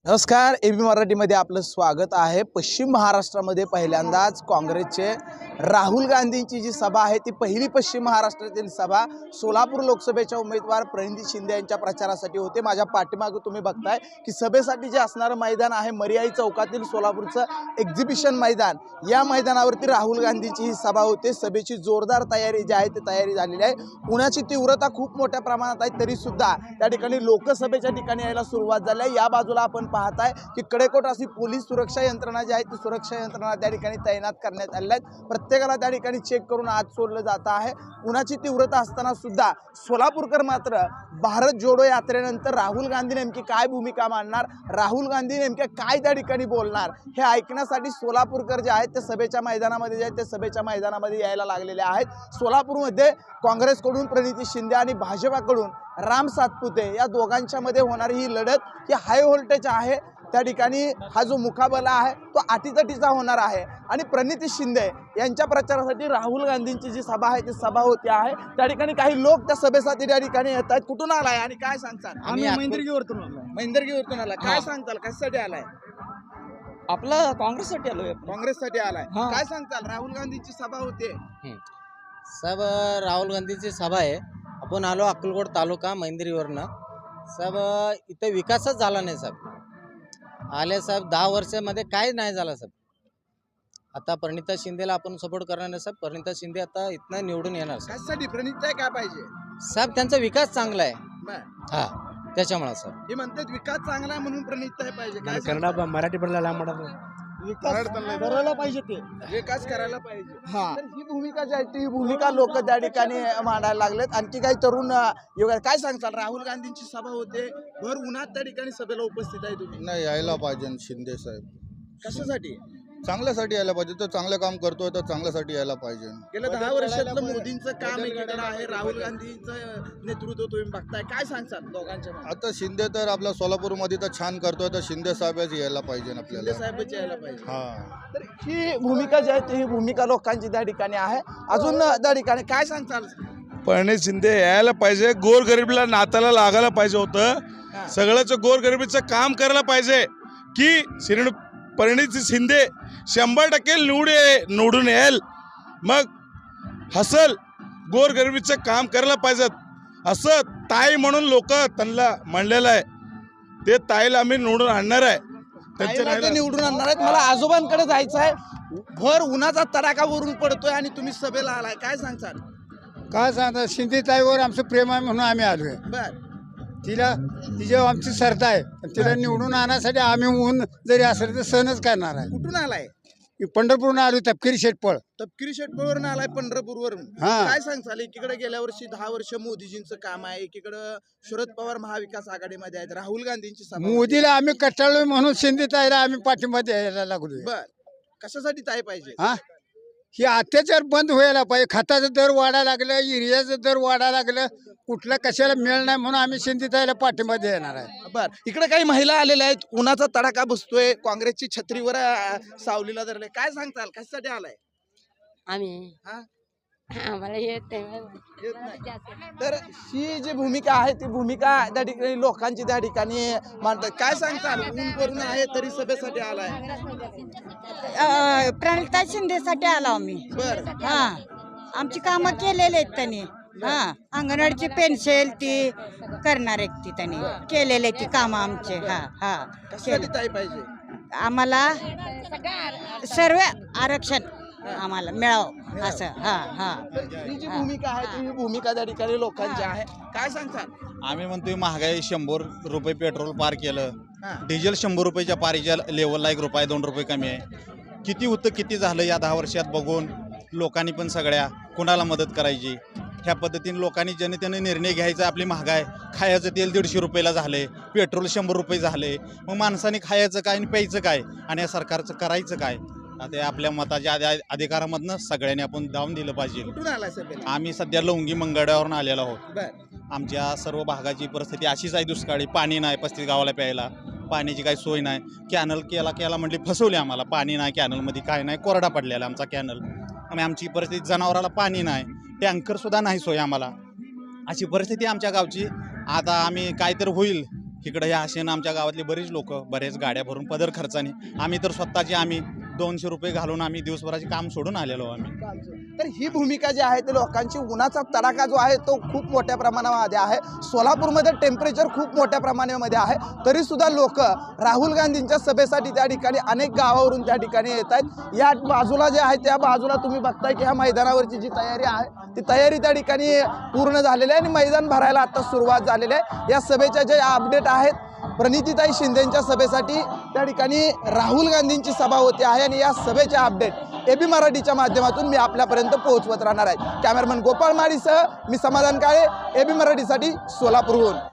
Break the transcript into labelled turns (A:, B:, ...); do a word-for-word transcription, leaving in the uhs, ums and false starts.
A: नमस्कार, एबी मराठीमध्ये आपलं स्वागत आहे। पश्चिम महाराष्ट्रामध्ये पहिल्यांदाच काँग्रेसचे राहुल गांधींची जी सभा आहे ती पहिली पश्चिम महाराष्ट्रातील सभा सोलापूर लोकसभेच्या उमेदवार प्रणिती शिंदे यांच्या प्रचारासाठी होते। माझ्या पाठीमागे तुम्ही बघताय की सभेसाठी जे असणारं मैदान आहे मर्याई चौकातील सोलापूरचं एक्झिबिशन मैदान, या मैदानावरती राहुल गांधींची ही सभा होते। सभेची जोरदार तयारी जी आहे ती तयारी झालेली आहे। उन्हाची तीव्रता खूप मोठ्या प्रमाणात आहे, तरी सुद्धा त्या ठिकाणी लोकसभेच्या ठिकाणी यायला सुरुवात झाली आहे। या बाजूला आपण पाहताय की कडेकोट अशी पोलीस सुरक्षा यंत्रणा जी आहे ती सुरक्षा यंत्रणा त्या ठिकाणी तैनात करण्यात आलेल्या आहेत। प्रत्येकाला त्या ठिकाणी चेक करून आत सोडलं जात आहे। उन्हाची तीव्रता असताना सुद्धा सोलापूरकर मात्र भारत जोडो यात्रेनंतर राहुल गांधी नेमकी काय भूमिका मांडणार, राहुल गांधी नेमक्या काय त्या ठिकाणी बोलणार हे ऐकण्यासाठी सोलापूरकर जे आहेत ते सभेच्या मैदानामध्ये जे आहेत ते सभेच्या मैदानामध्ये यायला लागलेले आहेत। सोलापूरमध्ये काँग्रेसकडून प्रणिती शिंदे आणि भाजपाकडून राम सातपुते या दोघांच्या मध्ये होणारी ही लढत ही हाय व्होल्टेज आहे। त्या ठिकाणी हा जो मुकाबला आहे तो अटीतटीचा होणार आहे आणि प्रणिती शिंदे यांच्या प्रचारासाठी राहुल गांधींची जी सभा आहे ती सभा होती आहे। त्या ठिकाणी काही लोक त्या सभेसाठी त्या ठिकाणी येत आहेत। कुठून आलाय आणि काय सांगताल?
B: आम्ही महिंद्रगीवरतून आलोय।
A: महिंद्रगीवरतून आला, काय सांगताल? कशासाठी आलाय?
B: आपला काँग्रेससाठी आलोय।
A: काँग्रेससाठी आलाय,
B: हा।
A: काय सांगताल? राहुल गांधींची सभा होते।
C: सब राहुल गांधीची सभा आहे। आपण आलो अक्कलकोट तालुका महिंद्रीवरनं। सब इथं विकासच झाला नाही सब आले साहेब दहा वर्षामध्ये काय नाही झाला सब। आता प्रणिता शिंदेला आपण सपोर्ट करणार नाही साहेब। प्रणिता शिंदे आता इथनं निवडून येणार साहेब।
A: कशासाठी? प्रणिती काय पाहिजे
C: साहेब त्यांचा विकास चांगला आहे
A: बरं।
C: हा, त्याच्यामुळे सर
A: हे म्हणतात विकास चांगला आहे म्हणून प्रणिती पाहिजे। काय
B: कन्नड मराठी बोलला लांब
A: विकास
B: करायला पाहिजे ते
A: विकास करायला पाहिजे।
B: हा।
A: तर ही भूमिका जी आहे ती भूमिका लोक त्या ठिकाणी मांडायला लागलेत। आणखी काही तरुण युवक काय सांगताल? राहुल गांधींची सभा होते, भर उन्हात त्या ठिकाणी सभेला उपस्थित आहे तुम्ही,
D: नाही यायला पाहिजे शिंदे साहेब।
A: कशासाठी?
D: चांगल्यासाठी यायला पाहिजे। तो चांगलं काम करतोय तर चांगल्यासाठी यायला पाहिजे।
A: गेल्या दहा वर्षातलं मोदींचं काम एकीकडे आहे, राहुल गांधींचं नेतृत्व तुम्ही बघताय, काय सांगताल दोघांच्या मध्ये?
D: आता शिंदे तर आपल्या सोलापूरमध्ये तर छान करतोय, तर शिंदे साहेबच यायला पाहिजे
A: शिंदे
D: आपल्याला।
A: साहेबांची यायला पाहिजे।
D: हा,
A: तर ही भूमिका जी आहे ती ही भूमिका लोकांची त्या ठिकाणी आहे। अजून त्या ठिकाणी काय सांगताल?
E: प्रणिती शिंदे यायला पाहिजे। गोरगरिबीला नाताला लागायला पाहिजे होतं। सगळ्याच गोरगरिबीचं काम करायला पाहिजे की श्री प्रणिती शिंदे शंभर टक्के निवड निवडून येईल, मग हसल गोरगरिबीचं काम करायला पाहिजेत असं ताई म्हणून लोक त्यांना म्हणलेलं आहे। ते ताईला आम्ही निवडून आणणार आहे।
A: ताईला ते निवडून आणणार आहेत। मला आजोबांकडे जायचं आहे। भर उन्हाचा तडाखा वरून पडतोय आणि तुम्ही सभेला आलाय, काय सांगताल?
F: काय सांगता, शिंदे ताईवर आमचं प्रेम आहे म्हणून आम्ही आलोय।
A: बर,
F: तिला तिच्यावर आमची श्रद्धा आहे। तिला निवडून आणण्यासाठी आम्ही ऊन जरी असेल तर सहनच करणार आहे।
A: कुठून आलाय?
F: पंढरपूरहून आलो, तपकिरी शेटपळ।
A: तपकिरी शेटपळवरून आलाय, पंढरपूरवरून।
F: हा।
A: काय सांगताल? एकीकडे गेल्या वर्षी दहा वर्ष मोदीजींचं काम आहे, एकीकडे शरद पवार महाविकास आघाडीमध्ये आहेत, राहुल गांधींची सभा होती।
F: मोदीला आम्ही कटाळलोय म्हणून शिंदे ताईला आम्ही पाठिंबा द्यायला लागलोय।
A: बर, कशासाठी ताई पाहिजे?
F: हा, ही अत्याचार बंद व्हायला पाहिजे। खताचं दर वाढायला लागलं, युरियाचं दर वाढायला लागलं, कुठला कशाला मिळ नाही म्हणून आम्ही शिंदे ताईला पाठिंबा देणार आहे।
A: बर, इकडे काही महिला आलेल्या आहेत, उन्हाचा तडाखा बसतोय, काँग्रेसची छत्रीवर अं, सावलीला धरले, काय सांगताल? कशासाठी आलाय?
G: आम्ही
A: हा?
G: आम्हाला येत
A: येत नाही। तर ही जी भूमिका आहे ती भूमिका त्या ठिकाणी लोकांची त्या ठिकाणी मांडतात, काय सांगताल? ऊन करून आहे तरी सभेसाठी आलाय।
H: प्रणिता शिंदेसाठी आलो आम्ही।
A: बर,
H: हा, आमची कामं केलेली आहेत त्यांनी। हा, अंगणवाडीची पेन्शन ती करणार आहेत, ती त्यांनी केलेले ती कामं आमचे। हा हा,
A: कशासाठी ताई पाहिजे?
H: आम्हाला सर्व आरक्षण आम्हाला मिळावं असं। हा हा,
A: ही जी भूमिका आहे ती ही भूमिका त्या ठिकाणी लोकांची आहे, काय सांगताल?
I: आम्ही म्हणतोय महागाई शंभर रुपये पेट्रोल पार केलं,
A: हा।
I: डिझेल शंभर रुपयाच्या पारीच्या लेवलला एक रुपये दोन रुपये कमी आहे। किती होतं किती झालं या दहा वर्षात बघून लोकांनी पण सगळ्या कोणाला मदत करायची ह्या पद्धतीने लोकांनी जनतेने निर्णय घ्यायचा। आपली महागाई, खायचं तेल दीडशे रुपयाला झाले, पेट्रोल शंभर रुपये झाले, मग माणसाने खायचं काय आणि प्यायचं काय आणि या सरकारचं करायचं काय? ते आपल्या मताच्या अधिकारामधनं सगळ्यांनी आपण दावून दिलं पाहिजे।
A: कुठून आलाय सभेला?
I: आम्ही सध्या लवंगी मंगळावरून आलेलो आहोत।
A: बर,
I: आमच्या सर्व भागाची परिस्थिती अशीच आहे, दुष्काळी, पाणी नाही, पस्तीस गावाला प्यायला पाण्याची काही सोय नाही। कॅनल केला केला म्हटली फसवले आम्हाला, पाणी नाही कॅनलमध्ये, काय नाही, कोरडा पडलेला आमचा कॅनल। आणि आमची परिस्थिती, जनावराला पाणी नाही, टँकरसुद्धा नाही सोय आम्हाला, अशी परिस्थिती आमच्या गावची। आता आम्ही काय तर होईल इकडं ह्या आशेनं आमच्या गावातली बरीच लोक बरेच गाड्या भरून पदर खर्चाने आम्ही तर स्वतःची आम्ही दोनशे रुपये घालून आम्ही दिवसभराचे काम सोडून आलेलो आम्ही.
A: तर ही भूमिका जी आहे ते लोकांची उन्हाचा तडाखा जो आहे तो खूप मोठ्या प्रमाणामध्ये आहे. सोलापूरमध्ये टेम्परेचर खूप मोठ्या प्रमाणामध्ये आहे, तरी सुद्धा लोक राहुल गांधींच्या सभेसाठी त्या ठिकाणी अनेक गावावरून त्या ठिकाणी येत आहेत. या बाजूला जे आहे त्या बाजूला तुम्ही बघताय की ह्या मैदानावरची जी तयारी आहे ती तयारी त्या ठिकाणी पूर्ण झालेली आहे आणि मैदान भरायला आता सुरुवात झालेली आहे. या सभेच्या जे अपडेट आहेत, प्रणितीताई शिंदेच्या सभेसाठी त्या ठिकाणी राहुल गांधींची सभा होते आहे आणि या सभेचे अपडेट एबी मराठीच्या माध्यमातून मी आपल्यापर्यंत पोहोचवत राहणार आहे. कॅमेरामन गोपाळ माळीसह मी समाधान काळे, एबी मराठीसाठी सोलापूरहून.